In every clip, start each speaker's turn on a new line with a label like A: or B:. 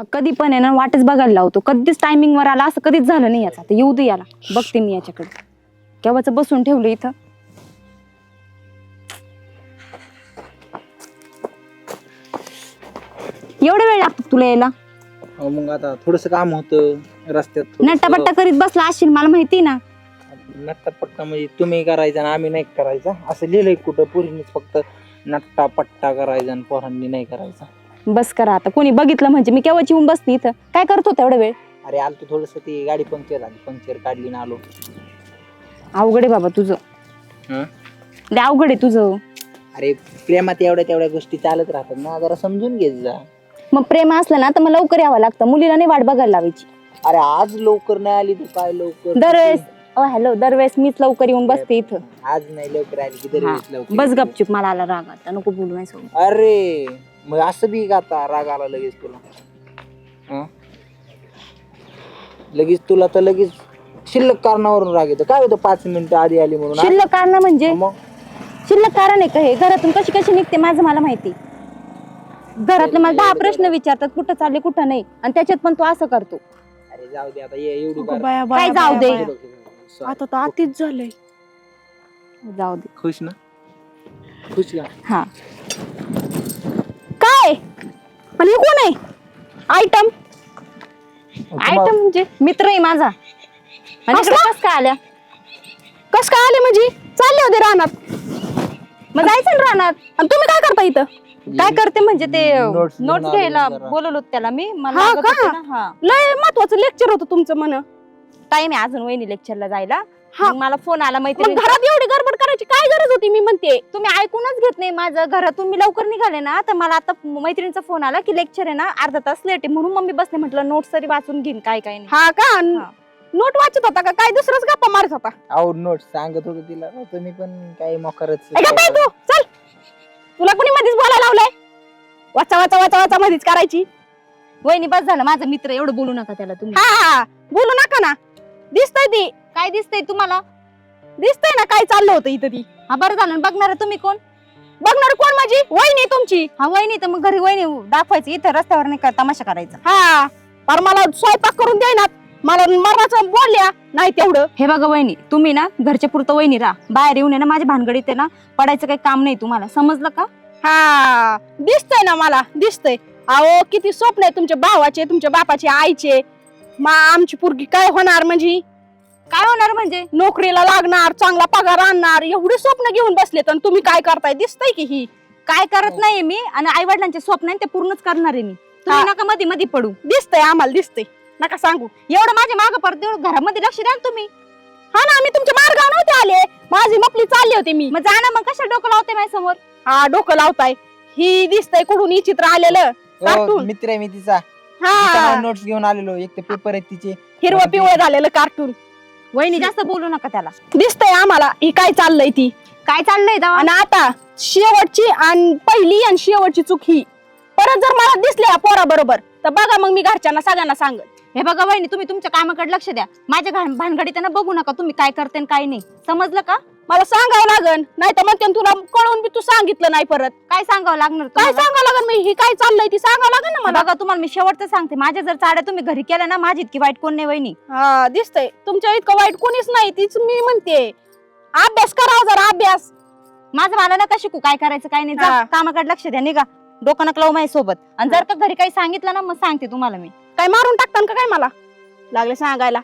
A: कधी पण आहे ना वाटच बघायला लावतो, कधीच टायमिंग वर आला असं कधीच झालं नाही याचा. तर येऊ दे याला, बघते मी याच्याकडे. केव्हाच बसून ठेवलं इथं. एवढा वेळ लागतो तुला यायला?
B: मग आता थोडस काम होतं रस्त्यात.
A: नट्टापट्टा करीत बसला असशील, मला माहिती ना.
B: नट्टापट्टा म्हणजे तुम्ही करायचा आणि आम्ही नाही करायचा असं लिहिलंय कुठं? पोरींनीच फक्त नट्टापट्टा करायचा आणि पोरांनी नाही करायचा.
A: बस करा आता, कोणी बघितलं म्हणजे मी केव्हाच येऊन बसते इथं. काय करत होता एवढा वेळ?
B: अरे आलतो थोडस, ती गाडी पंक्चर झाली, पंक्चर काढली ना आलो.
A: अवघड आहे बाबा तुझं.
B: हं?
A: लय अवघड आहे तुझं.
B: अरे प्रेमात एवढ्या तेवढ्या गोष्टी चालत राहतात ना, जरा समजून घेत जा.
A: मग प्रेम असलं ना तर मग लवकर यावं लागतं, मुलीला नाही वाट बघायला लावायची.
B: अरे आज लवकर नाही आली तू, काय लवकर?
A: दरवेळेस हॅलो, दरवेळेस मीच लवकर येऊन बसते इथं.
B: आज नाही लवकर आली की दरवेळेस लवकर
A: बस
B: येते.
A: गपचूप, मला आला राग आता, नको बोलू माझ्यासोबत.
B: अरे मग असं बी का आता राग आला लगेच तुला? हं? लगेच तुला तर लगेच शिल्लक कारणावरून राग येतो. काय होतं 5 मिनिटं आधी आली म्हणून?
A: शिल्लक कारण म्हणजे
B: मग
A: शिल्लक कारण आहे का हे? घरातून कशी कशी निघते माझं मला माहिती. घरातले मला 10 प्रश्न विचारतात, कुठं चालले कुठं नाही, आणि त्याच्यात पण तू असं करतो.
B: अरे जाऊ दे आता, ये एवढी
C: अगं
B: बार.
C: बाया,
A: काय
C: बाया,
A: जाऊ दे?
C: बाया, बाया. आता तर अतिच झालंय.
A: जाऊ दे.
B: खुश ना? खुश का?
A: हा काय? आणि हे कोण आहे? आयटम आयटम म्हणजे मित्र आहे माझा. आणि इकडे कस काय आल्या?
C: कस काय आले म्हणजे? चालले होते रानात.
A: मग जायचं ना रानात. आणि तुम्ही काय करता इथं? काय करते म्हणजे ते
B: Notes घेऊन
A: नोट्स
B: आलो
A: घ्यायला
B: जरा.
A: बोलवलं होतं त्याला मी. मला
C: हा
A: लागत
C: का?
A: होतं ना. हा
C: लय महत्वाचं लेक्चर होतं तुमचं म्हण.
A: टाइम आहे अजून वहिनी लेक्चरला जायला.
C: हा.
A: मग मला फोन आला
C: मग
A: मैत्रिणी.
C: घरात एवढी गडबड करायची काय गरज होती? मी म्हणते
A: तुम्ही ऐकूनच घेत नाही माझं. घरातून मी लवकर निघाले ना, तर मला आता मैत्रिणीचा फोन आला की लेक्चर आहे ना, अर्धा तास लेट आहे. म्हणून मम्मी बसले, म्हटलं नोट्स तरी वाचून घेईन काय काय नाही.
C: हा का?
A: हा.
C: नोट वाचत होता का काय? दुसरंच गप्पा मारत होता?
B: आउट नोट सांगत होतो तिला. तुम्ही पण काही मोकरच.
C: ऐका बाई तू चल, तुला कोणी मध्येच बोलायला लावलंय? वाचा वाचा वाचा वाचा मध्येच करायची.
A: वहिनी बस झालं, माझा मित्र, एवढं बोलू नका त्याला तुम्ही.
C: हा बोलू नका ना. दिसतंय ती,
A: काय दिसतंय तुम्हाला?
C: दिसतंय ना काय चाललं होतं इथं ती.
A: हा बरं झालं. बघणार तुम्ही कोण?
C: बघणार कोण? माझी वहिनी तुमची.
A: हा वहिनी, तर मग घरी वहिनी दाखवायची, इथं रस्त्यावर नाही का तमाशा करायचा.
C: हा पर मला स्वयंपाक करून द्यायना, मला मरणाचं बोलल्या नाही तेवढं.
A: हे बघा वहिनी, तुम्ही ना घरच्या पुरतं वहिनी राहा. बाहेर येऊन आहे ना माझ्या भानगडीत आहे ना पडायचं काही काम नाही तुम्हाला, समजलं का?
C: हा दिसतंय ना, मला दिसतंय. अहो किती स्वप्न आहे तुमच्या भावाचे, तुमच्या बापाचे, आईचे. आमची पोरगी काय होणार म्हणजे?
A: काय होणार म्हणजे?
C: नोकरीला लागणार, चांगला पगार आणणार, एवढे स्वप्न घेऊन बसले. तर तुम्ही काय करताय? दिसतंय की ही
A: काय करत नाहीये मी, आणि आई वडिलांचे स्वप्न आहे ते पूर्णच करणार आहे मी. तुम्ही
C: हा.
A: नका मध्ये मध्ये पडू.
C: दिसतंय, आम्हाला दिसतंय. नका सांगू.
A: एवढं माझ्या मागं पडत, एवढं घरामध्ये लक्ष द्या ना तुम्ही.
C: हा ना, आम्ही तुमच्या मार्गावर नव्हते आले, माझी मपली चालली होती मी.
A: मग जा ना, मग कशा डोकं लावते माझ्या समोर?
C: हा डोकं लावताय. ही दिसतंय कुठून ही चित्र आलेलं. कार्टून.
B: मित्र आहे मी तिचा.
C: हा
B: नोट्स घेऊन आलेलो. एक तर पेपर आहेत तिचे.
C: हिरवं पिवळं झालेलं कार्टून.
A: वहिनी जास्त बोलू नका त्याला.
C: दिसतंय आम्हाला ही काय चाललंय ती.
A: काय चाललंय दावा?
C: आणि आता शेवटची आणि पहिली आणि शेवटची चूक ही. परत जर मला दिसले या पोरा बरोबर तर बघा मग मी घरच्यांना सगळ्यांना सांगत.
A: हे बघा वहिनी, तुम्ही तुमच्या कामाकडे लक्ष द्या. माझ्या भानगडीत त्यांना बघू नका तुम्ही काय करते आणि काय नाही, समजलं का?
C: मला सांगावं लागन, नाही तर म्हणते तुला कळून बी तू सांगितलं नाही परत.
A: काय सांगावं लागणार
C: काय
A: तुम्हाला?
C: सांगावं लागन? मी ही काय चाललंय ती सांगावं लागन ना मला.
A: बघा तुम्हाला मी शेवटचं सांगते, माझ्या जर चाड्या तुम्ही घरी केल्या ना, माझी इतकी वाईट कोण नाही वहिनी.
C: हा दिसतंय तुमच्या इतकं वाईट कोणीच नाही, तीच मी म्हणते. अभ्यास करावा जरा, अभ्यास.
A: माझं मला नका शिकू काय करायचं काय नाही. जा
C: हा.
A: कामाकडे लक्ष द्या, निघा. डोकं नका लावू माझ्या सोबत. आणि जर का घरी काही सांगितलं ना, मग सांगते तुम्हाला मी.
C: काय मारून टाकतान का काय मला? लागले सांगायला.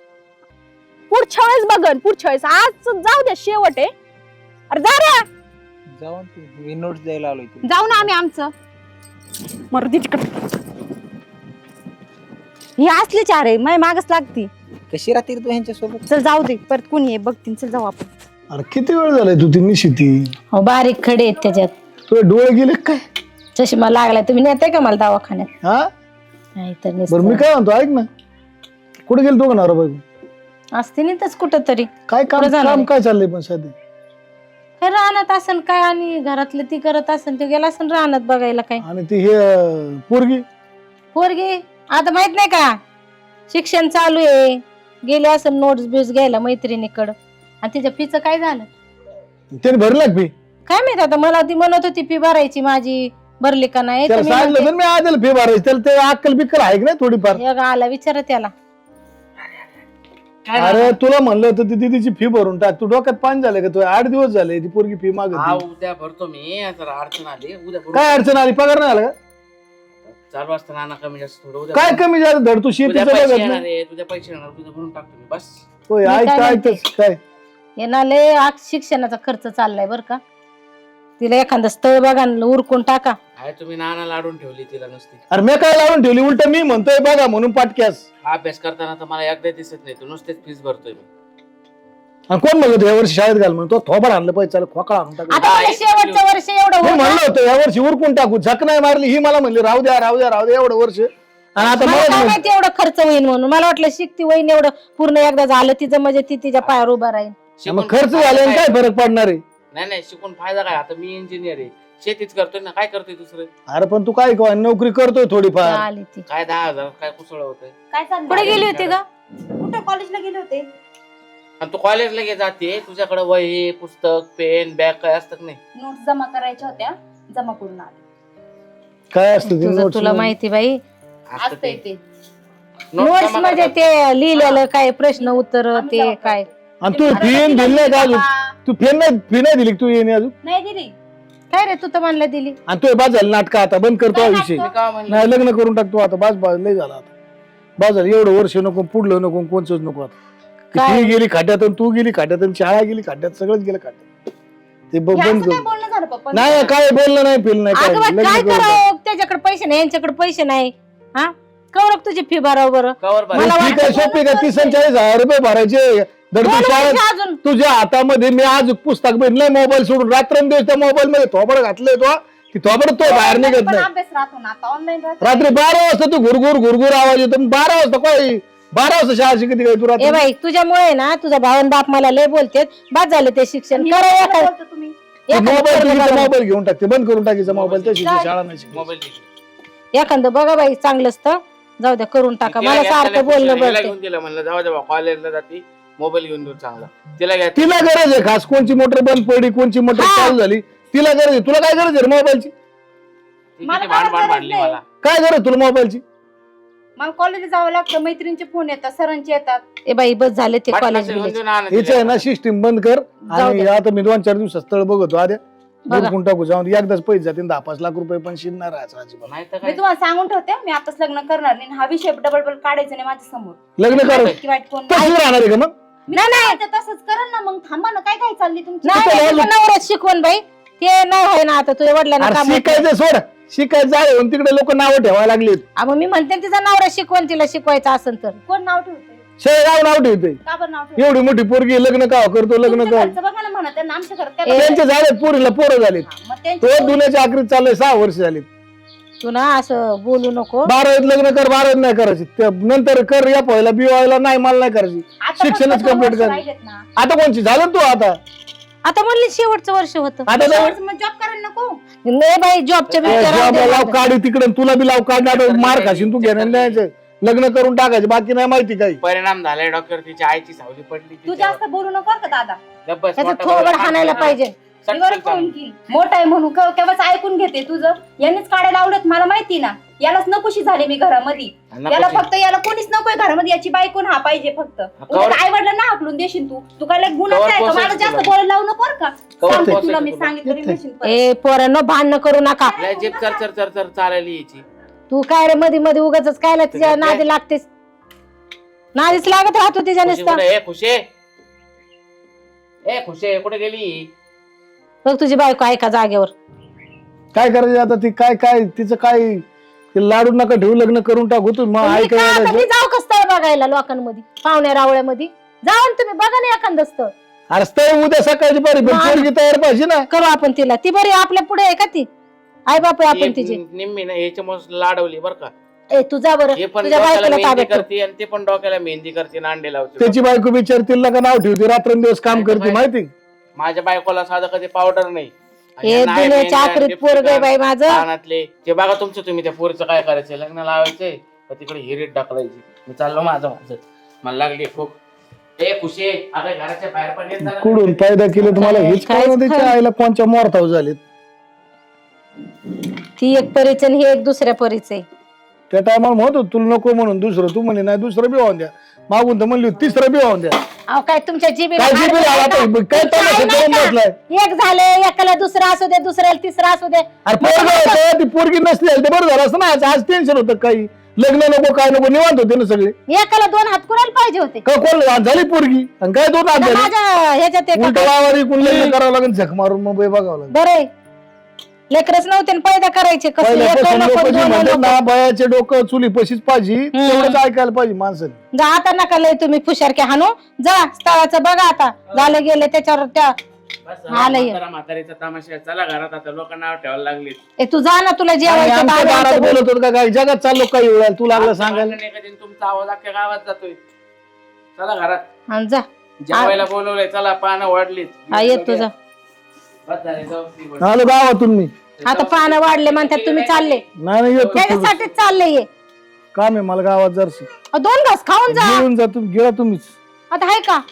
C: पुढच्या वेळेस बघन, पुढच्या वेळेस. आज जाऊ द्या, शेवट आहे. अरे जा रे.
B: जाऊन तू, मी नोट्स द्यायला आलोय तुला.
A: जाऊ ना आम्ही आमचं.
C: मर्दी तिकडे.
A: ही असली चार आहे, माझ्या मागच लागती.
B: कशी राहते रे तू ह्यांच्या सोबत?
A: चल जाऊ दे, परत कोणी आहे बघतील. चल जाऊ आपण.
D: अरे किती वेळ झालाय तू ती निशिती?
E: हो बारीक खडे आहेत त्याच्यात.
D: तुझे डोळे गेले काय?
E: चष्मा लागलाय. तुम्ही नेताय का मला दवाखान्यात?
D: हा
E: नाही तर
D: बरं मी काय म्हणतो, ऐक ना, कुठे गेल तो का नवरा बायको?
E: असते नाही कुठं तरी.
D: काय काम
E: कुठं जाणार
D: काम
E: आहे?
D: काय चाललंय पण सध्या?
E: काय राहण्यात असन काय, आणि घरातलं ती करत असन, ते गेला असन राहण्यात बघायला. काय
D: आणि ती हे पोरगी
E: पोरगी आता माहित नाही का, शिक्षण चालू आहे, गेले असन नोट्स बिट्स घ्यायला मैत्रिणीकडं. आणि तिच्या फीचं काय झालं
D: त्याने भरला फी?
E: काय माहित आता. मला ती म्हणत होती फी भरायची माझी, भरली का नाही
D: त्याला
E: तुम्ही
D: सांगितलं
E: म्हणते,
D: तर मी आधी फी भरायची त्याला ते अक्कल बिक्कल आहे की नाही थोडीफार.
E: हे गा आला विचारा त्याला.
D: अरे तुला म्हणलं होतं ती तिची फी भरून टाक, तू डोक्यात पाणी झालं का? तू 8 दिवस झाले ती पोरगी फी
B: हा
D: मागत.
B: उद्या भरतो मी, जरा अडचण आली उद्या भरतो.
D: काय अडचण आली? पगार नाही आला का?
B: चालू असतं नाना कमी जास्त थोडं उद्या
D: काय कमी झालं? धड तू
B: उद्या
D: शेतीचं
B: पैसे
D: बघत
B: येणार
D: नाही.
B: आहे, तुझ्या पैसे येणार, तुझं भरून टाकतो मी बस.
D: होय
E: मी
D: ऐक
E: काय
D: काय
E: म्हणते?
D: काय
E: हे ना लय शिक्षणाचा खर्च चाललाय बर का. तिला एखादं स्थळ बघा न उरकून टाका.
B: आहे तुम्ही नाना लाडून ठेवली तिला नुसती.
D: अरे मी काय लावून ठेवली? उलट मी म्हणतोय बघा म्हणून पाटक्यास.
B: अभ्यास करताना तर मला एकदा दिसत नाही, तू नुसतेच फीस भरतोय मी.
D: आणि कोण म्हणलं होतं या वर्षी शाळेत घाल म्हणून? तो थोबड आणलं पाहिजे, चाल खोकळा आणून टाकला.
E: आता मला शेवटचं वर्ष एवढं
D: मी
E: होतं.
D: म्हणलं होतं या वर्षी उरकून टाकू, झक नाही मारली ही मला म्हणली राहू द्या राहू द्या राहू द्या एवढं वर्ष. आणि आता
E: मला
D: मला
E: काय माहिती एवढं खर्च होईल म्हणून. मला वाटलं शिकती होईन एवढं पूर्ण एकदा झालं तिचं म्हणजे ती तिच्या पायावर उभा राहील.
D: मग खर्च झाल्याने काय फरक पडणार आहे?
B: नाही नाही, शिकून फायदा काय? आता मी इंजिनियर आहे, शेतीच करतोय ना, काय करतोय दुसरं?
D: अरे पण तू काय नोकरी करतोय थोडीफार.
E: आली ती.
B: काय 10,000 काय कुसळ होतंय?
A: काय चाललंय?
E: कुठे गेली होती का?
A: कुठे कॉलेजला गेले होते?
B: आणि तू कॉलेजला गे जाते, तुझ्याकडे वही पुस्तक पेन बॅग काय असतात नाही?
A: नोट्स जमा करायच्या होत्या, जमा करून आले.
D: काय असतं ते
E: तुझं
D: notes
E: तुला
D: मध्ये?
E: माहिती बाई.
B: असतं
A: असतंय
B: ते.
A: ते.
B: Notes
E: नोट्स
B: जमा
E: म्हणजे
B: करतात.
E: ते लिहिलेलं काय प्रश्न उत्तर
A: आम्ही
E: ते
A: जमा
E: काय.
D: आणि तू फी दिली नाही का अजून? तू फी नाही दिली का तू येणे अजून?
A: नाही दिली.
E: काय रे तू तर म्हणलं दिली.
D: आणि तू बाद झालं नाटक, आता बंद करतो हा
A: काय
D: विषय.
B: मी काय म्हणलं?
D: नाही लग्न करून टाकतो आता, बाज लय झाला आता. बाज झालं एवढं वर्ष नको, पुढलं नको, कोणच नको आता. ती
E: काय?
D: फी गेली खाट्यात आणि तू गेली खाट्यात आणि शाळा गेली खाट्यात, सगळंच गेलं खाट्यात. ते
A: हे
D: बंद
A: असं काय
D: कर.
A: बोलणं झालं पप्पा?
D: नाही काय बोललं नाही फिल नाही
E: अगं
D: काय.
E: बा, काय करावं? त्याच्याकडे पैसे नाही यांच्याकडे पैसे नाही. हा कवरक तुझी फी भराव बरं.
B: कवर भर.
E: मला
D: फी काय सोपी का? 30-40 रुपये भरायचे दर
E: दोन
D: तू शाळेत.
E: वर्ष अजून
D: तुझ्या हातामध्ये मी आज पुस्तक भेटलंय मोबाईल सोडून, रात्रंदिवस त्या मोबाईल मध्ये थोबड घातलंय तो, ती थोबड तो बाहेर निघत
A: पण
D: नाही.
A: अभ्यास राहतो ना आता ऑनलाईन राहतो.
D: रात्री 12 वाजता तू घुरघुर आवाज येतो. 12 वाजता काय 12 वाजता शाळा शिकते काय तू
E: ए
D: रात्री?
E: बाई तुझ्यामुळे ना तुझा भाव आणि बाप मला लय बोलतेत. बाद झालं ते शिक्षण. करा
A: काय
E: एखादं-
A: बोलतो तुम्ही?
E: एखादं
D: मोबाईल
E: पोरगं
D: तुझा
E: बघा.
D: मोबाईल घेऊन टाकते, बंद करून टाकायचा मोबाईल, त्या शिकते शाळा नाही शिकत.
B: मोबाईल दे.
E: एखादं बघा बाई चांगलं असतं. जाऊ द्या करून टाका.
B: तिला
E: मला
B: घेतलेलं
E: सारखं बोलणं
B: हिला
E: बघते.
B: घेऊन दिलं म्हणलं जाऊ दे कॉलेजला जाते मोबाईल घेऊन देऊ चांगला. तिला घ्या.
D: तिला गरज आहे खास, कोणची मोटर बंद पडली, कोणची मोटर
E: हा.
D: चालू झाली, तिला गरज आहे. तुला काय गरज आहे मोबाईलची?
B: ती
A: मला
B: किती
A: काय
B: भांड
A: गरज
B: भांडली
A: नाही.
B: मला.
D: काय गरज तुला मोबाईलची?
A: मला कॉलेजला जावं लागतं, मैत्रिणीचे फोन येतात, सरांचे येतात.
E: ए बाई बस झाले ते
B: वाटलं
E: कॉलेज
B: असेल घेऊन
E: बिलेज.
B: देऊ ना आणा
D: हेच
B: तिला.
D: आहे ना सिस्टीम बंद कर.
E: जाऊ
D: आणि
E: दे.
D: आता मी 2-4 दिवसात स्थळ बघतो आद्या,
E: बघा.
D: भरपूर टाकू जाऊन एकदाच पैसे जातील 10-5 लाख रुपये, पण शिरणार आहे अजिबात.
B: नाही तर
A: मी
B: काय.
A: तुम्हाला सांगून ठेवते, मी आताच लग्न करणार नाही. हा विषय डबल काढायचा नाही माझ्या समोर.
D: लग्न कर
A: की वाईट कोण
D: तशी राहणार आहे का मग?
A: नाही नाही तसंच करेल ना. मग थांबा ना, काय काय चालली तुमची?
E: नाही
D: तिथं
E: नाही, तुझं नवऱ्यात शिकवण बाई ते नाही आहे ना आता तुझ्या वडिलांना
D: अरे
E: काम होतं.
D: शिकायचं सोड, शिकायचं आहे म्हणून तिकडे लोक नावं ठेवायला लागलेत.
E: मग मी म्हणते ना, तिचा नवरा शिकवण तिला शिकवायचं असेल तर.
A: कोण नाव ठेवतोय?
D: शेळगाव नाव ठेवते.
A: का बरं नाव ठेवतोय?
D: एवढी मोठी पोरगी लग्न का करतो, लग्न
A: तुमच्या
D: का?
A: घरचं बघा ना म्हणत आहे ना, आमच्या घरात काय
E: ए,
A: बघा.
D: त्यांचे झालेत पोरीला पोरं झालेत.
A: मग
D: तो
A: त्यांची
D: दुनियाच्या आखरीत चाललंय 6 वर्ष झाली.
E: तू ना असं बोलू नको.
D: 12वीत लग्न कर, 12वीत नाही करायची. नंतर कर या पहिला BY नाही, मला नाही करायची.
A: आता
D: शिक्षणच
A: फक्त 2
D: complete
A: वर्ष
D: कर.
A: राहिलेत ना.
D: आता कोणची झालं ना तू आता?
E: आता म्हणली शेवटचं वर्ष होतं.
D: आता
A: मग जॉब करायला नको.
E: नाही बाई जॉबच्या
D: जॉबला लाव काढी तिकडे, तुला बी लाव काढणार, मार खाशील तू. घेणार नाही, लग्न करून टाकायचे, बाकी नाही माहिती काही.
B: परिणाम झालाय डॉक्टर, तिच्या आईची सावली पडली
A: तू
B: तिच्यावर.
A: जास्त बोलू नको का दादा?
B: गप्प बस,
E: त्याचं
B: मोठा
E: थोबड
B: भाऊ
E: हाणायला
B: काम
E: पाहिजे.
B: करतो.
A: मी बरं
B: सटकन
A: फोन
B: चालू.
A: घेईल. मोठा आहे म्हणून केव्हाच ऐकून घेते तुझं. यांनीच काढायला आवडत मला माहिती ना. यालाच नकोशी झाली मी घरामध्ये.
B: नकोशी.
A: याला फक्त याला कोणीच नकोय घरामध्ये. याची बायकोन हा पाहिजे फक्त. आई वडिलांना हाकलून देशील तू. तू काय गुन्हा
B: कवर
A: आहे का? मला
B: पोसायचं
A: जास्त
B: तुला.
A: बोलायला लावू नको बरं का?
B: कवर
A: सांगते
B: पोसायचं
A: तुला मी
B: तुला.
A: सांगितलं रे म्हणशील परत.
E: ए पोरांनो भांडणं करू नका.
B: लय जीभ चर चर चर चर चालायला यायची.
E: तू काय रे मध्ये मध्ये उगाच कायला तिच्या
B: काय?
E: नादी लागतेस. नादीच लागत राहतो तिच्या
B: खुशी
E: नुसतं.
B: कुठे? खुशे ए खुशे कुठे गेली?
E: बघ तुझी बायको ऐका जागेवर.
D: काय करायचं आता? ती काय काय तिचं काय, ते लाडू नका ठेवू, लग्न करून टाकू. तू मग
E: तुम्ही काय आता
D: ऐकायला
E: मी जाऊ का स्थळ बघायला लोकांमध्ये पाहुण्या रावळ्यामध्ये जाऊन तुम्ही बघा ना एखादं स्थळ.
D: अरे स्थळ उद्या सकाळची बरी, पण
E: मा-
D: पोरगी तयार पाहिजे ना.
E: करू आपण तिला. ती बरी आपल्या पुढे आहे का ती? आई बाप आहे आपण तिची.
B: निम्मी ना याच्यामुळे लाडवली बर का.
E: ए तुझा बरं
B: हे पण
E: तुझ्या
B: डोक्याला
E: बायकोला
B: मेहंदी
E: ताब्यात ठेव.
B: करते आणि ते पण डोक्याला मेहंदी करते, नांडे लावते.
D: त्याची बायको विचारतील का नाव ठेवते, रात्रंदिवस काम करते माहिती.
B: माझ्या बायकोला साधं कधी पावडर नाही. आणि
E: हे
B: यांना आहे
E: दुनियाच्या
B: मेहंदी,
E: आखरीत
B: लिपस्टिक,
E: पोरग आहे बाई माझं.
B: कानातले ते बघा तुमचं. तुम्ही त्या पोरीचं काय करायचंय? लग्न लावायचंय का तिकडे हिरीट ढकलायची? मी चाललो माझं. मला लागली खूप. ए खुशी आता घराच्या बाहेर पण येत जा ना.
D: कुठून फायदा केला तुम्हाला हेच
E: काहीच
D: कळलं. त्याच्या
E: खरं.
D: आईला कोणच्या मोरताव झालेत.
E: ती एक परीच आणि हे एक दुसऱ्या परीच आहे.
D: त्या टायमाला म्हणत होतो तुला नको म्हणून दुसरं, तू म्हणे नाही दुसरं बी वाहून द्या. मागून तर म्हणली होती, तिसरं बी वाहून द्या.
E: अहो काय तुमच्या जीबीला
D: काय जीबी आला आता? काय तमाशा करून बसलाय?
E: एक झाले, एकाला दुसरा असू दे, दुसऱ्याला तिसरा असू दे.
D: अरे पोरगं होतं, ती पोरगी नसली तर बरं झालं असतं ना. आज टेन्शन होतं काही, लग्न नको काय नको, निवांत होते ना सगळे.
E: एकाला 2 हात कुणाला पाहिजे होते?
D: का कोण आज झाली पोरगी आणि काय 2 हात झाले?
E: माझ्या ह्याच्यात एका
D: उलट वावरी कोण लग्न करावं लागेल, झक मारून मुंबई बघावं लागेल.
E: बरं लेकरच नव्हते आणि पैदा करायचे कसं
D: पहिल्यापासून
E: एक
D: लोक
E: नको,
D: जी
E: दोन
D: म्हणतात
E: नको.
D: ना बयाचे डोकं चुली पशीच पाहिजे, तेवढंच ऐकायला पाहिजे माणसाने.
E: जा आता नका लय तुम्ही फुशारके हाणू. जा स्थळाचं बघा आता, झालं गेले त्याच्यावर त्या आलंय.
B: म्हातारीचा तमाशा, चला घरात आता, लोक नाव ठेवायला लागले.
E: ए तू जा ना, तुला
D: आणि
E: जेवायचं
D: आमच्या
E: तर
D: दारात
E: आलं
D: बोलत होत का काय जगात चाललो काही वेळेला तू लागला सांगायला.
B: तुमचा आवाज अख्ख्या गावात जातोय. चला घरात,
E: आणि जा
B: जेवायला बोलवलंय, चला पानं वाढलीत.
E: हा येत तुझा.
B: बस झाले, जाऊ ती बस.
D: आलो गावातून मी.
E: आता पानं वाढले म्हणतात तुम्ही चालले,
D: नाही येतो थोडं.
E: त्याच्यासाठीच चालले ये.
D: काम आहे मला गावात जरशी.
E: 2 घास खाऊन जा.
D: घेऊन जा तुम्ही, गेला तुम्हीच.
E: आता आहे का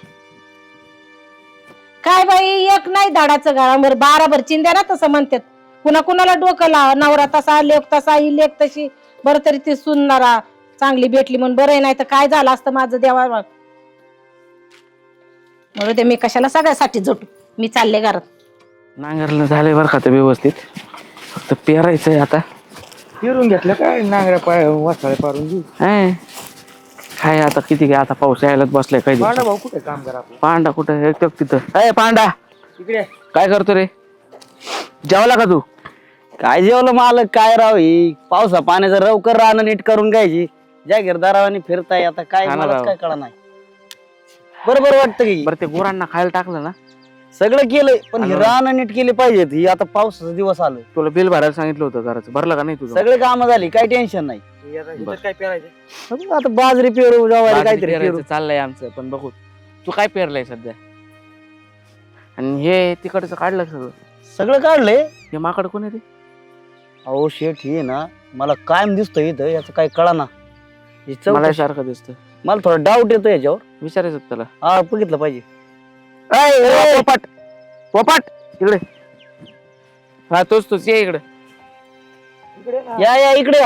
E: काय बाई, एक नाही धाडाचं घरावर 12 भर चिंध्या ना तसं म्हणतात. कुणा कुणाला डोकं लावा, नवरा तसा, लेक तसा, ही लेक तशी. बरं तरी ती सुनणारा चांगली भेटली म्हणून बरं, नाही तर काय झालं असतं माझं देवा. म्हणून ते मी कशाला सगळ्यासाठी झोटू. मी चालले घरात.
B: नांगरलं झालंय बरं का ते व्यवस्थित, फक्त पेरायचंय आता.
F: फिरून घेतलं काय नांगऱ्या पाय वासाळे पारून घेऊ.
B: काय आता किती काय, आता पाऊस यायलाच बसलाय. काही
F: पांडा भाऊ कुठे काम करा आपलं
B: पांडा कुठं एक तिथं. अय पांडा,
F: इकडे.
B: काय करतो रे? जेवला का तू?
G: काय जेवलं मालक, काय राव ही पावसा पाण्याचं रवकर राहणं नीट करून घ्यायची. जागीरदारावानी फिरताय आता काय,
B: हा ना
G: मला
B: राव.
G: काय कळा नाही. बरोबर वाटतं की
B: बरं ते गुरांना खायला टाकलं ना?
G: सगळं केलंय, पण
B: हा
G: हे
B: ना.
G: राहणं नीट केली पाहिजेत. ही आता पावसाचा दिवस आलं,
B: तुला बिल भरायला सांगितलं होतं घराचं, भरलं का नाही तुझं?
G: सगळे कामं झाली, काही टेन्शन नाही.
B: बरं.
F: काय पेरायचं?
G: बघू आता बाजरी पेरू, ज्वारी
B: बाजरी
G: काहीतरी
B: पेरायचं
G: पेरू.
B: चाललंय आमचं, पण बघू तू काय पेरलंय सध्या. आणि हे तिकडचं काढलं सगळं.
G: सगळं काढलंय.
B: हे माकड कोण आहे रे?
G: अहो शेठ हे ना मला कायम दिसतोय इथं, याचं काही कळा ना.
B: मला सारखं दिसतं.
G: मला थोडा डाऊट येतो याच्यावर.
B: विचारायचं होतं त्याला.
G: हा बघितलं पाहिजे.
B: पोपट, पोपट इकडे. हा तोच ये इकडे.
G: या इकडे या.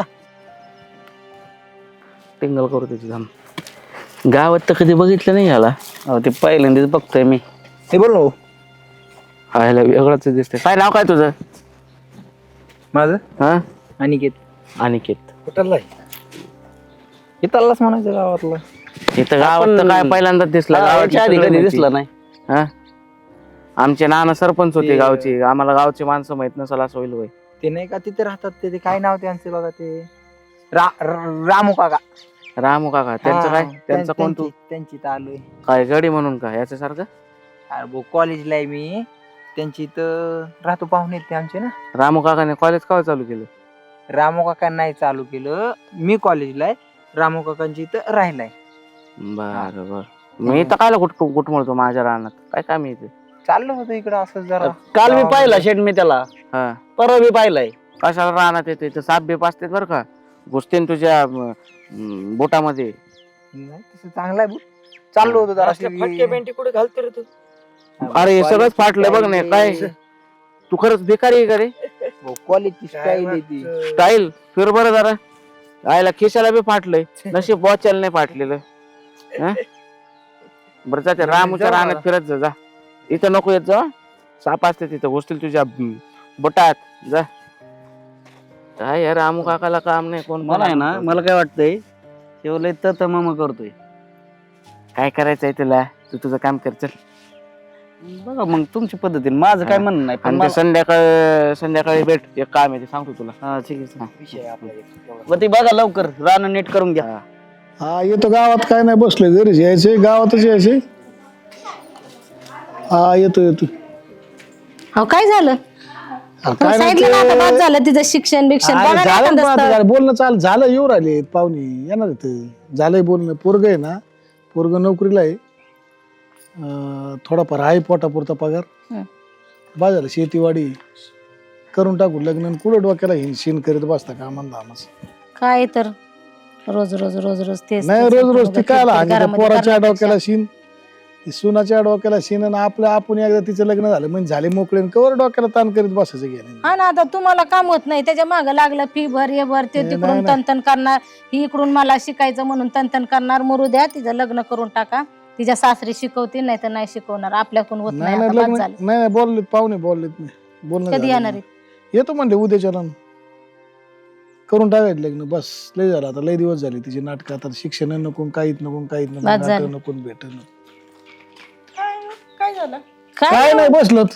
B: टिंगल करू त्याची धाम. गावात तर कधी बघितलं नाही याला.
G: अहो ते पहिल्यांदाच बघतोय मी.
F: हे बोल ना
B: हायला वेगळंच दिसतंय. काय नाव काय तुझं?
F: माझं
B: हा
F: अनिकेत.
B: अनिकेत.
F: कुठला इथलाच म्हणायचं गावातला.
B: इथं गावात तर काय पहिल्यांदाच दिसला.
G: गावाच्या आधी कधी दिसला नाही.
B: हा, आमचे नाना सरपंच होते गावचे. आम्हाला गावचे माणसं माहित नसेल असं होईल होय.
F: ते नाही का तिथे राहतात ते काय नाव त्यांचे बघा ते रामू काका.
B: रामू काका, त्यांचं काय? त्यांचं कोण तू?
F: त्यांची तर आलोय.
B: काय गडी म्हणून का याच्यासारखं?
F: अरे भाऊ कॉलेजला आहे मी, त्यांची इथं राहतो. पाहुणे ते आमचे ना.
B: रामू काकाने कॉलेज का चालू केलं?
F: रामू काका नाही चालू केलं, मी कॉलेजला आहे. रामू काकांची इथं राहिलाय.
B: बर बर. मी तर कायला कुठ म्हणतो माझ्या रानात, काय काम येते?
F: चाललं होतं इकडं असं जरा.
G: काल मी पाहिला शेठ मी त्याला,
B: हा,
G: परवा मी पाहिलाय.
B: कशाला रानात येते? तर साप बेप असते बरं का, घुसतेन तुझ्या बोटामध्ये.
F: नाही तसं चांगलं आहे. चाललो होतो जरा.
G: कुठे घालतो रे तू?
B: अरे हे सगळंच फाटलंय बघ नाही काय. तू खरंच बेकारी आहे का रे?
F: कॉलेजची स्टाईल आहे ती.
B: स्टाईल फिर बरं जरा. आयला खिशाला बी फाटलंय, नशीब बॉचल नाही फाटलेलं. हं? बरं जाते रामूच्या रानात फिरत जा. इथं नको येत जा, साप असते तिथं, घुसतील तुझ्या बोटात. जा. काय यार रामू काकाला काम नाही. कोण
G: मला आहे ना, मला काय वाटतंय शेवले तर मामा करतोय.
B: काय करायचंय तुला? तू तुझं काम कर चल.
G: बघा मग तुमच्या पद्धतीने, माझं काय म्हणणं नाही. पण
B: आणि ते संध्याकाळी भेट, एक काम आहे ते सांगतो तुला.
G: हा ठीक आहे.
F: विषय आपला एक.
G: मग ती बघा लवकर, रान नीट करून घ्या.
D: हा येतो गावात, काय नाही बसलोय घरीच. यायचे गावातच यायचे. हा येतो.
E: अहो काय झालं?
D: काय नाही
E: सांगितलं ना आता बाद झालं तिचं शिक्षण बिक्षण.
D: अरे
E: बघा ना
D: झालं
E: एखादं
D: ना,
E: स्थळ.
D: आता बोलणं चाल झालं. येऊ राहिले पाहुणे, येणार इथं. झालंय बोलणं. पोरग आहे ना, पोरग नोकरीला आहे. थोडाफार आहे पोटापुरता पगार. बा झालं शेतीवाडी करून टाकू. लग्न कुठं डोक्याला हिंशीन करीत बसता का आम्हाला.
E: काय तर रोज रोज रोज रोज तेच
D: नाही
E: तेच
D: रोज रोज ती
E: आपण
D: काय
E: घरामध्ये
D: पोराच्या
E: करण्यापेक्षा.
D: डोक्याला शिन. ती सुनाच्या डोक्याला शिन आणि आपलं आपण एकदा तिचं लग्न झालं म्हणजे झाले मोकळे आणि कवर डोक्याला ताण करीत बसायचं गेलं.
E: हा ना, आता तुम्हाला काम होत नाही त्याच्या मागं लागलं फी भर हे भर ते
D: नाही,
E: तिकडून
D: नाही.
E: तनतन करणार, ही इकडून मला शिकायचं म्हणून तनतन करणार. मरू द्या, तिचं लग्न करून टाका. तिच्या सासरी शिकवतील नाही तर नाही शिकवणार. आपल्याकडून होत
D: नाही
E: नाही,
D: नाही
E: आता बाद
D: लग्न
E: झालं.
D: नाही नाही बोललेत पाहुणे बोललेत नाही बोलणं
E: कधी
D: झालं
E: येणार
D: नाही.
E: आहे?
D: येतो म्हणले उद्याच्याला करून टाकायचं लग्न बस. लय झालं आता, लय दिवस झाले तिची नाटक. आता शिक्षण नको काहीच नको काहीच नको
E: बाद झालं.
D: नाटक नको भेट नको.
C: काय झालं
D: काय नाही बसलोत.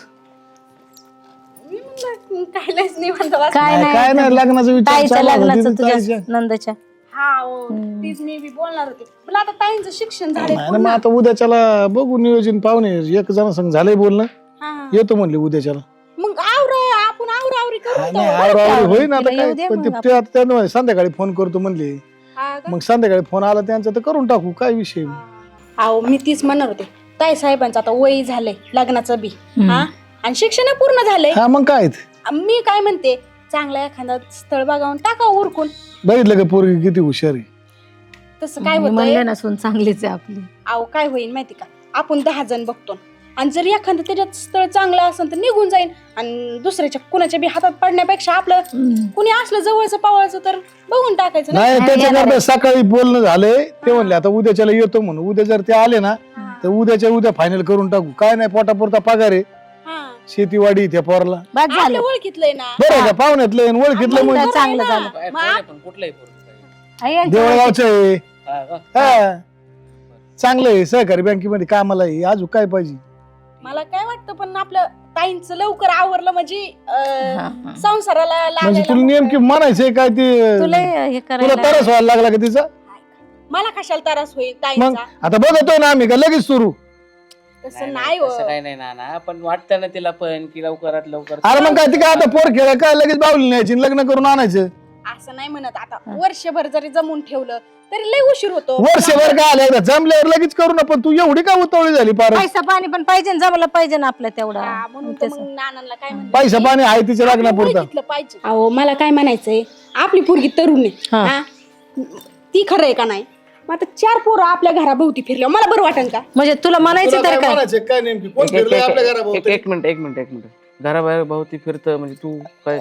C: मी म्हणलं काय लयच निवांत बस.
E: काय
D: काय नाही लग्नाचा विचार
E: ताईच्या
D: चालू होता.
E: लग्नाचं
D: तिचं
E: तुझ्या
D: ताईच्या-
E: नंदच्या.
C: हा हो, तीच मी बी बोलणार होते. पण आता ताईंचं शिक्षण झालंय
D: नाही ना मग आता उद्याच्याला बघू नियोजन. पाहुणे एक जण संग झालंय बोलणं,
C: हा.
D: येतो म्हणले उद्याच्याला.
C: मग आपण आवरावरी करू
D: नाही,
C: तो.
D: नाही, आवराआवरी होईन आता
E: तिला
D: काय.
E: येऊ दे
D: पण
E: मग
D: ते आता त्यांना संध्याकाळी फोन करतो म्हणले.
C: हा का?
D: मग संध्याकाळी फोन आला त्यांचा तर करून टाकू, काय विषय.
C: अहो मी तीच म्हणणार होते. ताई साहेबांचं आता वय झालंय लग्नाचं बी, हा, आणि शिक्षण पूर्ण झालंय.
D: हा मग काय ते.
C: मी काय म्हणते, चांगला एखादा स्थळ बघावून टाका उरकून.
D: बघितलं का पोरगी किती हुशार आहे.
C: तसं काय
E: मी
C: होतंय,
E: म्हणले ना, सून चांगलीच आहे आपली.
C: अहो काय होईल माहिती का, आपण 10 जण बघतो आणि जर एखादं त्याच्यात स्थळ चांगलं असेल तर निघून जाईल, आणि दुसऱ्याच्या कुणाच्या बी हातात पडण्यापेक्षा आपलं कुणी असलं जवळचं पावळचं तर बघून टाकायचं ना.
D: नाही त्याच्याकरता सकाळी बोलणं झालंय. ते म्हणले आता उद्याच्याला येतो म्हणून. उद्या जर ते आले ना तर उद्याच्या उद्या फायनल करून टाकू. काय नाही, पोटापुरता पगार आहे,
C: हा.
D: शेतीवाडी त्या पोरला.
E: बाद झालं.
C: आपल्या ओळखीतलंय ना.
D: बरं का पाहुण्यातलं आहे, ओळखीतलं
E: मग
D: म्हणजे
E: चांगलं
C: ना.
E: झालं.
B: कुठलंही
E: आई यांच्या
D: देवळगावचं आहे. हा चांगलं आहे, सहकारी बँकेमध्ये कामाला आहे. अजून काय पाहिजे.
C: मला काय वाटतं, पण आपलं ताईंचं लवकर आवरलं म्हणजे
E: हा, हा.
C: संसाराला
D: म्हणजे तुला
C: लागायला
D: नेमकी म्हणायचंय काय ते.
E: तुला हे
D: तुला
E: करायला
D: तरस व्हायला लागला का तिचा.
C: मला कशाला त्रास होईल
D: मग
C: ताईंचा.
D: आता बघतोय ना आम्ही का लगेच सुरू.
C: तसं नाही हो.
B: तसं काही नाही ना पण वाटतं ना तिला पण की लवकरात लवकर.
D: अरे मग काय ती काय आता पोर खेळ काय लगेच बावली न्यायची आणि लग्न करून आणायचं.
C: असं नाही म्हणत. आता वर्षभर जरी जमून ठेवलं तरी लय उशीर होतो.
D: वर्षभर काय आलं एकदा जमल्यावर लगेच करू ना. पण तू एवढी का उतावळी झाली पार.
E: पैसा पाणी पण पाहिजे ना, जमलं पाहिजे ना आपलं तेवढा.
C: हा, म्हणून तर मग नानांना काय म्हणलं,
D: पैसा पाणी आहे तिच्या लग्नापुरता.
C: ओळखीतलं पाहिजे. अहो मला काय म्हणायचंय, आपली पोरगी तरुण आहे,
E: हा.
C: हा? ती खरं आहे का नाही. मग आता 4 पोरं आपल्या घराभोवती फिरल्या मला बरं वाटेल का.
E: म्हणजे तुला म्हणायचं तर काय.
D: काय नेमकी कोण फिरलंय आपल्या घराभोवती?
B: एक मिनिट घराबाहेर भोवती फिरतं म्हणजे तू काय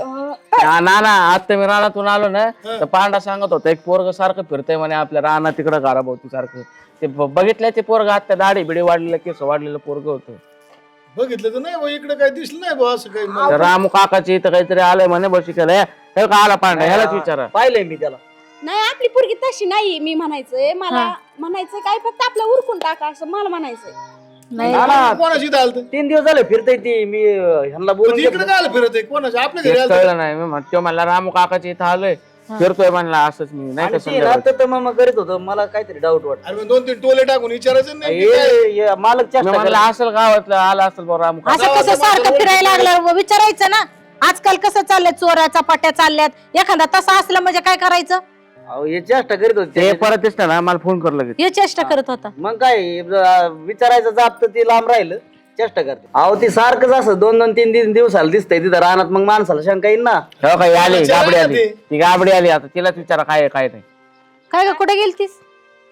B: ना आता मी रानातून आलो ना तर पांडा सांगत होता एक पोरग सारखं फिरतंय म्हणे आपल्या रानात तिकडं घराभोवती सारखं. ते बघितलंय ते पोरग आता दाढी बिडी वाढलेलं केस वाढलेलं पोरग होतं.
D: बघितलं तर नाही भाऊ, इकडे काय दिसलं नाही भाऊ असं काही.
B: रामू काकाची इथं काहीतरी आलंय म्हणे बशिकायला. हे का आला पांडा ह्यालाच विचारा.
G: पाहिलंय मी त्याला.
C: नाही आपली पोरगी तशी नाही. मी म्हणायचंय, मला म्हणायचं काय, फक्त आपलं उरकून टाका असं मला म्हणायचंय.
E: नाही
D: कोणाची चालतं
G: 3 दिवस झाले फिरतय ती. मी ह्यांना बोलून
D: इकडे काय फिरत आहे कोणाच्या आपल्या घरी
B: तेच
D: आलतं.
B: कळलं नाही मी म्हणतो मला रामू काकाची इथं आलोय फिरतोय म्हणला असंच मी नाही का
G: आणि ते रात्र तर मग करीत होतं. मला काहीतरी डाऊट वाटत.
D: अरे मग 2-3 टोले टाकून विचारायचं नाही की काय?
G: मालक
B: मी
G: चेष्टा
B: म्हणलं असेल गावातलं आला असेल बरं रामू काका.
E: असं कसं सारखं फिरायला लागलं विचारायचं ना. आजकाल कसं चाललंय, चोऱ्या चपाट्या चालल्यात. एखादा तसा असला म्हणजे काय करायचं.
G: अहो, हे चेष्टा करीत
B: ते
G: होते.
B: परत दिसतं ना मला फोन कर लगेच.
E: हे चेष्टा करत होता.
G: मग काय विचारायचं जात तर ते लांब राहिलं. चेष्टा करते. अहो ती सारखंच असं 2-3 दिवसाला दिसतंय तिथं रानात. मग माणसाला शंका येईल ना.
B: हो काही आली
D: विचारा
B: गाबडी
D: ना
B: आली
D: ते.
B: ती गाबडी आली आता तिलाच विचारा काय आहे, काय नाही.
E: काय ग, कुठे गेलतीस.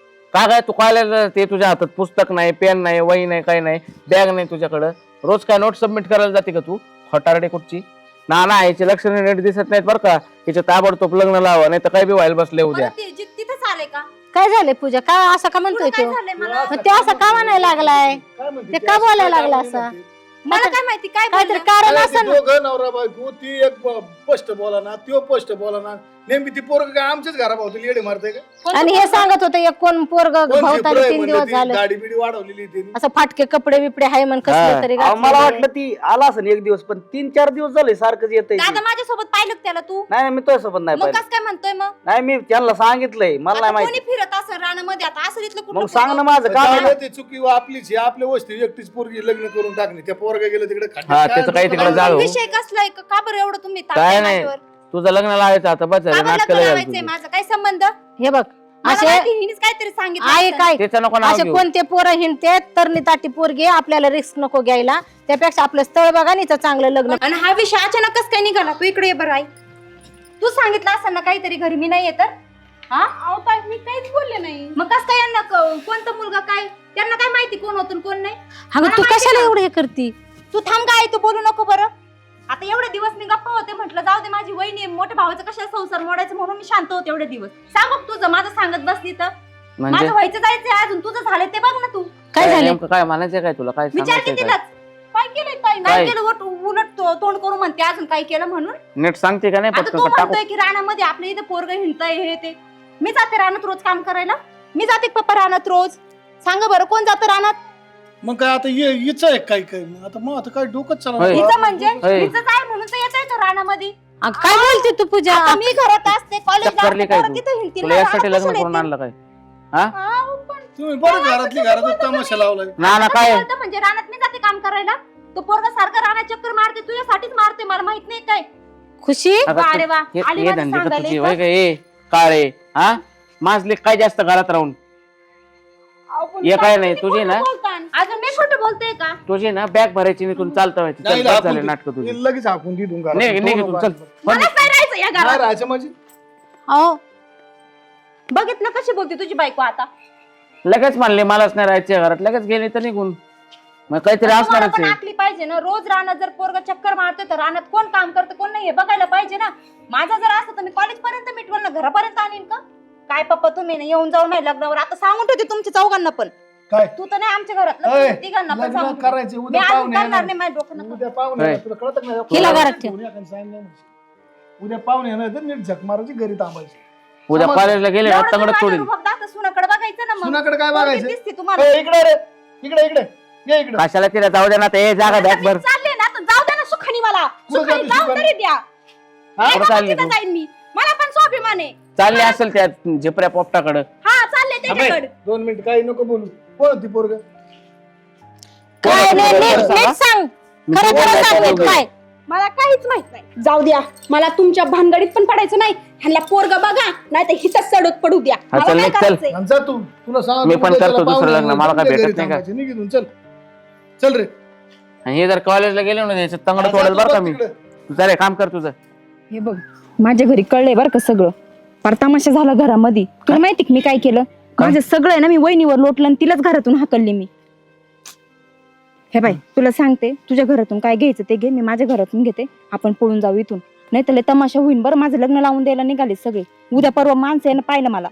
B: काय तू कॉलेजला ते तुझ्या हातात पुस्तक नाही, पेन नाही, वही नाही, काही नाही, बॅग नाही तुझ्याकडं. रोज काय नोट सबमिट करायला जाते का तू खोटारडे कुठची. ना याचे लक्ष नीट दिसत नाहीत बरं का. हिचे ताबडतोब लग्न लावा नाही तर काही बी व्हायला बसले उद्या.
C: तिथंच आलंय का.
E: काय झालंय पूजा, काय असं का म्हणतोय तो. मग ते असं का म्हणायला लागलाय.
D: काय म्हणते
E: ते
D: ती?
E: का बोलायला
D: काय
E: लागला
D: म्हणते
E: असं.
D: ती?
C: मला काय माहिती काय
E: काहीतरी
C: बोलला.
E: कारण
D: अरे
E: असं
D: ते दोघं नवरा बायको, ती एक स्पष्ट बोला ना, त्यो स्पष्ट बोला ना. नेमकी ती पोरग काय आमच्याच घराभोवती येडे मारते का.
E: आणि हे सांगत होतं एक कोण पोरग
D: कोण
E: भावताली
D: शिपरं आहे
E: 3
D: म्हणलं
E: दिवस
D: ती,
E: झालं.
D: दाढी बिडी वाढवलेली तिने.
E: असं फाटके कपडे बिपडे हाय म्हण
B: हा.
E: कसलं तरी
G: अहो, मला
E: घातलेलं.
G: वाटलं ती आला असं 1 दिवस. पण 3-4 दिवस झाले सारखंच येतंय.
C: दादा माझ्यासोबत पाहिलं का त्याला तू.
G: नाही मी तुझ्यासोबत नाही
C: मग
G: पाहिलं.
C: कस काय म्हणतोय मग.
G: नाही मी त्यांना सांगितलंय. मला नाही
C: आता
G: माहिती.
C: कोणी फिरत असं रानामध्ये आता असं इथलं कुठलं
G: मग सांग ना माझं काम आहे ना.
D: जाऊ दे, ती चुकी आपलीच आहे. आपल्या वस्ती एकटीच पोरगी लग्न करून टाकली. त्या पोरगा गेलं तिकडे
B: हा, त्याचं काही तिकडे जाऊ.
C: विषय कसलाय का बरं एवढं तुम्ही
B: काय
C: तापताय
B: नाही
C: माझ्यावर?
B: तुझं लग्न लावायचं आता बस
C: का बरं लग्न
B: नाटकाला
C: लावायचंय माझा काय संबंध.
E: हे बघ
C: मला
E: असे
C: माहिती, हिनेच काहीतरी सांगितलं
E: आहे
C: असेल.
E: काय
B: त्याचं नको नाव
E: असे
B: घेऊ.
E: कोणते पोरं हिंडते तरणी ताटी पोरगी आपल्याला रिस्क नको घ्यायला. त्यापेक्षा आपलं स्थळ बघा आणि चांगलं लग्न.
C: आणि हा विषय अचानकच काय निघाला. तू इकडे ये बरं आई. तू सांगितलं असं ना काहीतरी घरी मी नाही येत. हा मी काहीच बोलले नाही. मग कस काय यांना कोणता मुलगा काय
A: त्यांना काय माहिती कोण होतं कोण नाही.
E: अगं
A: मला
E: तू
A: माहिती
E: कशाला
A: ना.
E: एवढं हे करती?
A: तू थांब काय तू बोलू नको बरं. आता एवढे दिवस मी गप्पा होते, म्हटलं जाऊ दे माझी वहिनी मोठ्या भावाचं कशाला संसार मोडायचं म्हणून मी शांत होते एवढे दिवस. सांग बघ तुझं, माझं सांगत बसली तर
B: म्हणजे
A: माझं व्हायचं जायचंय अजून, तुझं झालंय ते बघ ना तू.
E: काय झालं?
B: नेमकं काय म्हणायचं काय तुला? काय
A: विचार
B: सांगायचं
A: की
B: काय?
A: तिलाच काय केलंय काय
B: काय?
A: नाही केलं, उलट तोंड करू म्हणते अजून काय केलं म्हणून.
B: नीट सांगते का नाही
A: आता
B: पटकन
A: तू
B: का टाकू?
A: म्हणतोय की रानामध्ये आपल्या इथे पोरग हिंडतंय हे ते. मी जाते रानात रोज काम करायला, मी जाते पप्पा रानात रोज. सांगा बरं कोण जातं रानात?
D: मग काय आता हिच आहे काय काय आता मग आता काय डोकंच
B: होय.
D: चालू
A: हिचं म्हणजे
B: होय.
A: हिचं काय म्हणून तर येतंय का रानामध्ये.
E: अगं काय बोलते तू पूजा?
A: आता मी घरात असते,
B: चक्करली काय तू?
A: कॉलेज
B: तुला यासाठी लग्न करून आणलं काय? हा
D: तुम्ही बरं घरातली घरातच तमाशा लावलाय.
B: ना काय
A: म्हणजे रानात मी जाते काम करायला, तो पोरगा सारखा रानात चक्कर मारते, तुझ्यासाठीच मारते, मला माहित नाही काय.
E: खुशी
B: अगं
A: अरे वा,
B: हे
A: आली
B: हे
A: माझी
B: धंदे का
A: सांगायला
B: तुझी
A: इथं.
B: होय का? हे काळे हा माझले काय जास्त घरात राहून हे काय नाही तुझी ना,
A: अजून मी खोटं बोलते का?
B: तुझी ना बॅग भरायची निघून चालतं व्हायचं. चल,
D: नाही
B: बस झाले
D: हाकून
B: नाटक तुझी.
D: दे. लगेच हाकून दे तुम
B: निघ निघ इथून, चल.
A: मलाच नाही राहायचं या
D: नाही
A: घरात.
D: राहायचं म्हणजे
A: अहो बघितलं कशी बोलते तुझी बायको आता.
B: लगेच म्हणले मलाच नाही राहायचे घरात, लगेच गेले तर निघून. मग काहीतरी
A: तुम्हाला
B: असणारच
A: पण
B: आहे.
A: आखली पाहिजे ना, रोज रानात जर पोरगा चक्कर मारतोय तर रानात कोण काम करतं कोण नाही हे बघायला पाहिजे ना. माझा जर असतं तर मी कॉलेज पर्यंत मिटवल ना, घरापर्यंत आणीन का काय? पप्पा तुम्ही ना येऊन जाऊन नाही लग्नावर, आता सांगून ठेवते तुमच्या चौघांना पण.
D: काय
A: तू तर नाही आमच्या घरात
D: अय,
A: लग्न, तिघांना पण
D: लग्न
A: सांगून ठेव.
D: करायचे
A: मी
D: उद्या
A: अजून
D: पाहुणे
A: करणार
D: येणार.
A: नाही, माझ्या डोकं नको.
D: उद्या पाहुणे
B: होय.
D: येणार. तुला कळत नाही
E: हिला घरात ठेव.
D: उद्या पाहुणे येणार तर नीट झक मारायची घरी थांबायची.
B: उद्या
D: समज-
B: कॉलेजला गेले ना
A: एवढं
B: तंगड
A: तुम्ही
B: सोडील.
A: माझ्या रूपात दाखवता, सुनाकडे बघायचं ना मग.
D: सुनाकडे काय
A: पोरगी
D: बघायचं
A: दिसते तुम्हाला.
D: ए, इकडे रे इकडे इकडे ये इकडे
B: कशाला तिला जाऊ दे ना, ते जागा बॅग भर.
A: चालले ना तर जाऊ द्या ना सुखानी मला.
D: कुठं
A: सुखानी
D: जाते
A: जाऊन
D: सुखानी?
A: तरी द्या.
B: कुठं
A: एका
B: चालली
A: तिथं
B: तू?
A: जाईन मी, मला पण स्वाभिमान आहे.
B: चालले असेल त्या झिपऱ्या पोपटाकडं.
A: हा चालले त्याच्याकडे.
D: 2 मिनिट काही नको बोलू. कोण होती पोरग?
E: काय नाही, नीट सांग. खरं खरं सांग नीट काय.
C: मला काहीच माहित नाही. जाऊ द्या, मला तुमच्या भानगडीत पण पडायचं नाही. ह्यांना पोरग बघा नाही तर हिथंच सडक पडू द्या.
B: हा,
C: मला
B: चल,
C: काय
B: चल.
C: करायचंय?
D: आणि जा तू तुला सांग
B: मी पण करतो दुसरं लग्न, मला काय भेटत नाही का?
D: निघून चल चल रे.
B: आणि हे जर कॉलेजला गेले ना त्याचं तंगड
D: जा
B: सोडेल
D: तू
B: बरं का
D: बस
B: मी.
D: तिकडे.
B: तू चालेल काम कर तुझं.
A: हे बघ माझ्या घरी कळलंय बरं का सगळं. फार तमाशा झाला घरामध्ये. तुला माहिती का मी काय केलं? माझं सगळं आहे ना मी वहिनीवर लोटलं आणि तिलाच घरातून हाकलली मी. हे बाई तुला सांगते, तुझ्या घरातून काय घ्यायचं ते घे, मी माझ्या घरातून घेते. आपण पळून जाऊ इथून, नाही तर लय तमाशा होईन बरं. माझं लग्न लावून द्यायला निघाले सगळे. उद्या परवा माणसं आहे ना पाहिलं मला.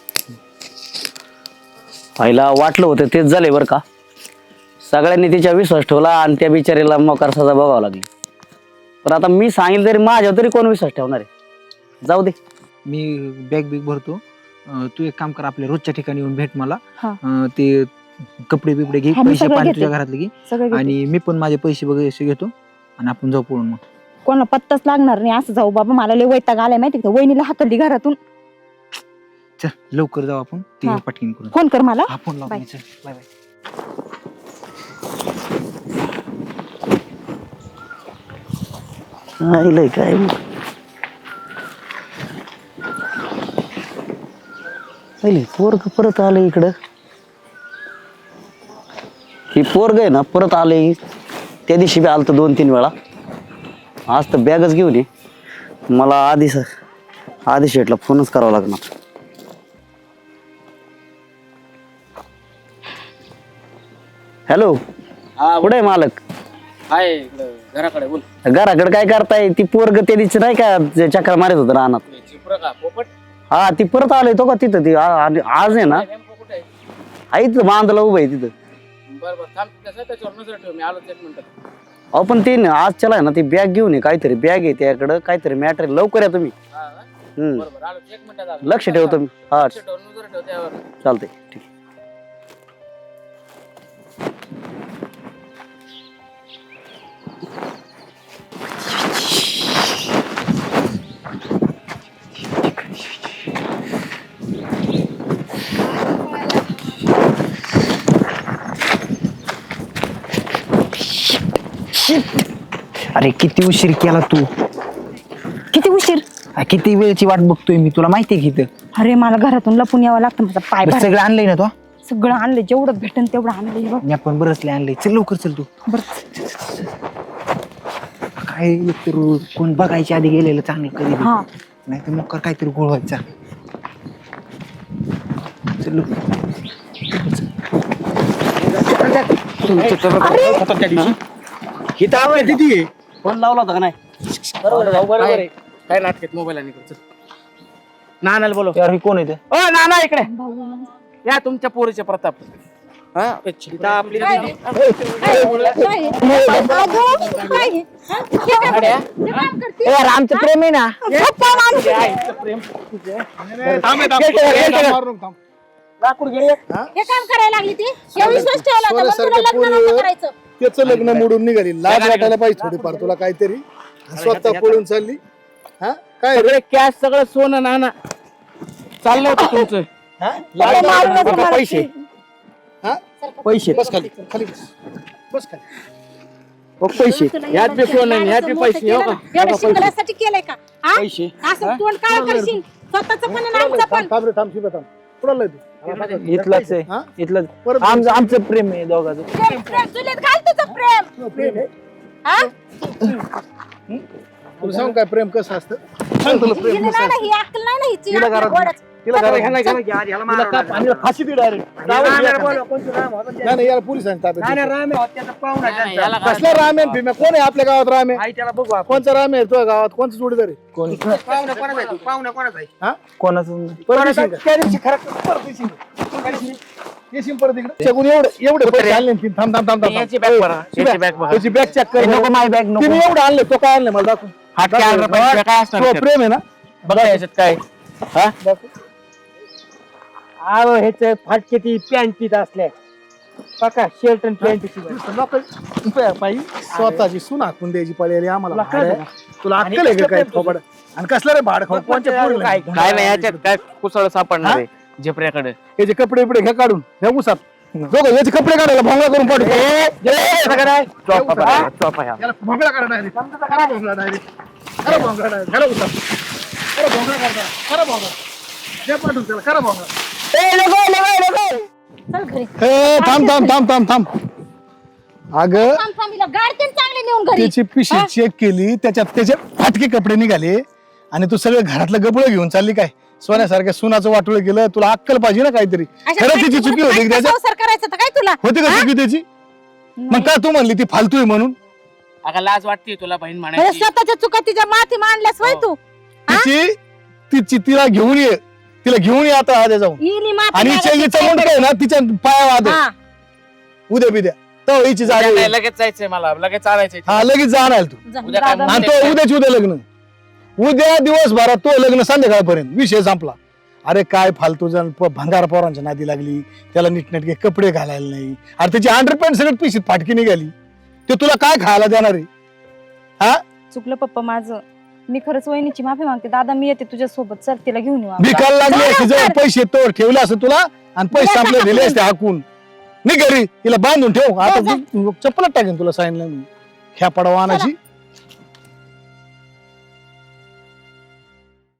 G: पहिला वाटलं होतं तेच झाले बरं का. सगळ्यांनी तिच्या विश्वास ठेवला आणि त्या बिचारीला मोकार सजा बघावं लागली. पण आता मी सांगितलं तरी माझ्यावर तरी कोण विश्वास ठेवणार आहे? जाऊ दे.
F: मी बॅग बिग भरतो. तू एक काम कर, आपल्या रोजच्या ठिकाणी येऊन भेट मला.
A: हा.
F: ते कपडे बिपडे घे,
A: हा, मी
F: पैसे
A: सगळं
F: पाणी
A: घेते.
F: तुझ्या घरातले घे.
A: सगळं घेते.
F: आणि मी पण माझे पैसे वगैरे घेतो आणि आपण जाऊ पळून. मग
A: कोणाला पत्ताच लागणार नाही असं जाऊ बाबा. मला लय वैताग आलाय माहिती का, वहिनीला हाकलली घरातून.
F: चल लवकर जाऊ आपण, ते
A: हा.
F: पटकीन करून.
A: फोन कर मला.
F: आपण लावू.
A: बाय.
F: चल बाय बाय.
G: काय पोरग परत आलं इकडं. ही पोरग आहे ना परत आले. त्या दिवशी बी आलं 2-3 वेळा. आज तर बॅगच घेऊन ये. मला आधी शेटला फोनच करावा लागणार. हॅलो, कुठे आहे मालक?
B: हाय घराकडे बोल.
G: घराकडे काय करताय? ती पोरग त्या दिवशी नाही का जे चक्र मारत होतं रानात.
B: चिपरं का पोपट?
G: हा ती परत आलोय तो का तिथं. ती आज आहे ना
B: नेमकं कुठे आहे?
G: आहे तिथं बांधला उभं आहे तिथं.
B: बरं बरं थांब, कसं त्याच्यावर नजर ठेव, मी आलो 1 मिनिट.
G: अहो पण ते आज चला ना ती बॅग घेऊन ये. काहीतरी बॅग आहे त्याकडं, काहीतरी मॅटर. लवकर या तुम्ही. हम्म,
B: बरोबर आलो 1 मिनिटात आलो.
G: लक्ष ठेवतो मी. हा
B: लक्ष ठेव, नजर ठेव त्यावर.
G: चालतंय ठीक आहे.
F: अरे किती उशीर केला तू.
A: किती उशीर?
F: किती वेळची वाट बघतोय मी, तुला माहितीये की इथं.
A: अरे मला घरातून लपून यावं लागतं. माझा पाय
F: बरं,
A: भर.
F: सगळं आणलंय ना तू.
A: सगळं आणलं जेवढं भेटन तेवढं आणलंय बघ.
F: मी आपण बरंचले आणलंय. चल लवकर चल तू. काय एकतर कोण बघायच्या आधी गेलेलं चांगलं कधी
A: हा.
F: नाही तर मग काहीतरी गोळ व्हायचा. चल लवकर.
G: फोन लावला होता का नाही?
B: काय नाटकात मोबाईल आणि नानाला बोलव.
F: यार ही कोण येते
B: ओ नाना इकडे या, तुमच्या पोरीचे प्रताप. हा आपली
F: यार आमचं प्रेम आहे ना.
E: हे काम करायला लागली ती हे विश्वास ठेवला होता, पण तुला लग्न नव्हतं करायचं.
D: त्याचं लग्न मोडून निघाली. लाज वाटायला पाहिजे थोडीफार तुला काहीतरी. स्वतः पळून चालली. हा काय
B: सगळे कॅश, सगळं सोनं नाना चाललं होतं तुमचं.
F: पैसे
D: हा
F: पैसे
D: बस खाली खाली बस बस खाली.
F: पैसे
B: ह्यात बी सोनं ह्यात बी पैसे. हो का?
E: एवढं शिकण्यासाठी केलंय का हा?
F: पैसे
E: असं तोंड काळ करशील स्वतःच पण आणि आमचं पण.
D: थांब रे थांब शिवा थांब. कुणाला तू
F: इथलंच आहे
D: हा?
F: इथलंच
D: परत
F: आमचं प्रेम आहे दोघांचं.
E: प्रेम प्रेम चुलीत घाल तुझं प्रेम हा?
D: तुला सांग काय प्रेम कसं असतं. सांग तुला प्रेम
E: हिला
D: कसं
E: नाही ना,
D: असतं.
E: ही अक्कल नाही ना हिची
D: हिला
E: आपल्या
D: घरात-
E: घोड्याची.
D: तिला फाशी दे डायरेक्ट. नाही यार पोलिसांनी ताब्यात.
B: याला काय-
D: कसला रामेन भीम्या कोण आहे आपल्या गावात? रामे कोणचा रामे आहे तुझ्या गावात? कोणचा जोडीदार आहे? हा?
F: कोणाचं
D: परत येशील का? येशील परत इकडे. चेकून एवढे पैसे आणले ना तिने. थांब थांब थांब थांब
B: याची बॅग बघा, याची बॅग बघा.
D: त्याची बॅग चेक कर.
F: नको माय बॅग नको.
D: तिने एवढं आणले. तो काय आणले मला दाखव.
B: हात काय आणलं पाहिजे, काय असणार
D: तुझं
B: त्यात?
D: प्रेम आहे ना?
B: बघा याच्यात काय. हा
F: ह्याच फाटके ती पॅन्ट पित असल्या बघा शर्ट आणि पॅन्ट
D: बाई स्वतःची सून हाकून द्यायची पळेली आम्हाला. तुला अक्कल आहे का काय थोबड? आणि कसलं रे भाड खाऊ? कोणच्या पोरीला?
B: काय नाही याच्यात काय कुसळ सापडणार आहे झेपऱ्याकडे.
D: याचे कपडे बिपडे घ्या काढून ह्या उसात. दोघं याचे कपडे काढायला भोंगळा करून पाठवतो.
B: चॉपा बघा, चॉपा ह्या.
D: याला भोंगळा काढा डायरेक्ट. खरा भोंगळा डायरेक्ट. खरा भोंगळा डायरेक्ट. खरा उसात. खरा भोंगळा काढा. खरा भोंगळा. द्या पाठवून त्याला. खरा भोंगळा.
E: चल घरी
D: ए थांब थांब थांब थांब थांब. अगं
E: थांब थांब हिला गाडीतून चांगले नेऊन घरी.
D: त्याची पिशवी चेक केली. त्याच्यात त्याचे फाटके कपडे निघाले आणि तू सगळं घरातलं गबळ घेऊन चालली काय? सोन्यासारख्या सुनाचं वाटोळं गेलं. तुला अक्कल पाहिजे ना काहीतरी.
E: अशा
D: खरं तिची
E: बायकोबरोबर
D: चुकी होती
E: काय
D: त्याच्यात.
E: संसार करायचा तर काय तुला
D: होती का चुकी त्याची? मग काय तू म्हणली ती फालतू आहे म्हणून?
B: अगं लाज वाटते तुला बहीण
E: म्हणजे
B: म्हणायची.
E: स्वतःच्या चुका तिच्या माथी मांडल्यास होय तू
D: तिला घेऊन ये. तिला घेऊन ये आता आधी जाऊन.
E: हिनी माफी
D: आणि
E: मागायची
D: हिच्या
E: काय?
D: मुंडक आहे ना तिच्या पाया वाद
E: हा.
D: उद्या बिद्या तर हिची
B: उद्या
D: जागा
B: नाही, लगेच जायचंय मला, लगेच चालायचंय.
D: हा लगेच जाणार तू.
E: जा,
B: उद्या काय
E: दादा.
D: आणि तो उद्याच उद्या लग्न. उद्या दिवसभरात तो लग्न संध्याकाळपर्यंत विषय संपला. अरे काय फालतू जण भंगार पोरांच्या नादी लागली. त्याला नीटनेटके कपडे घालायला नाही. अरे त्याची अंडरपॅन्ट सगळं पिशीत फाटकी निघाली. ते तुला काय खायला देणार आहे? हा
A: चुकलं पप्पा माझं. मी खरंच वहिनीची माफी मागते. दादा मी येते तुझ्या सोबत. चल तिला घेऊन येऊ आपण.
D: भिकायला लागले की जवळ पैसे तोवर ठेवले असं तुला आणि पैसे आपले दिले असते हाकून. नाही घरी तिला बांधून ठेव. आता चप्पलच टाकेन तुला सांगितलं मी. ख्या पडवा आणायची.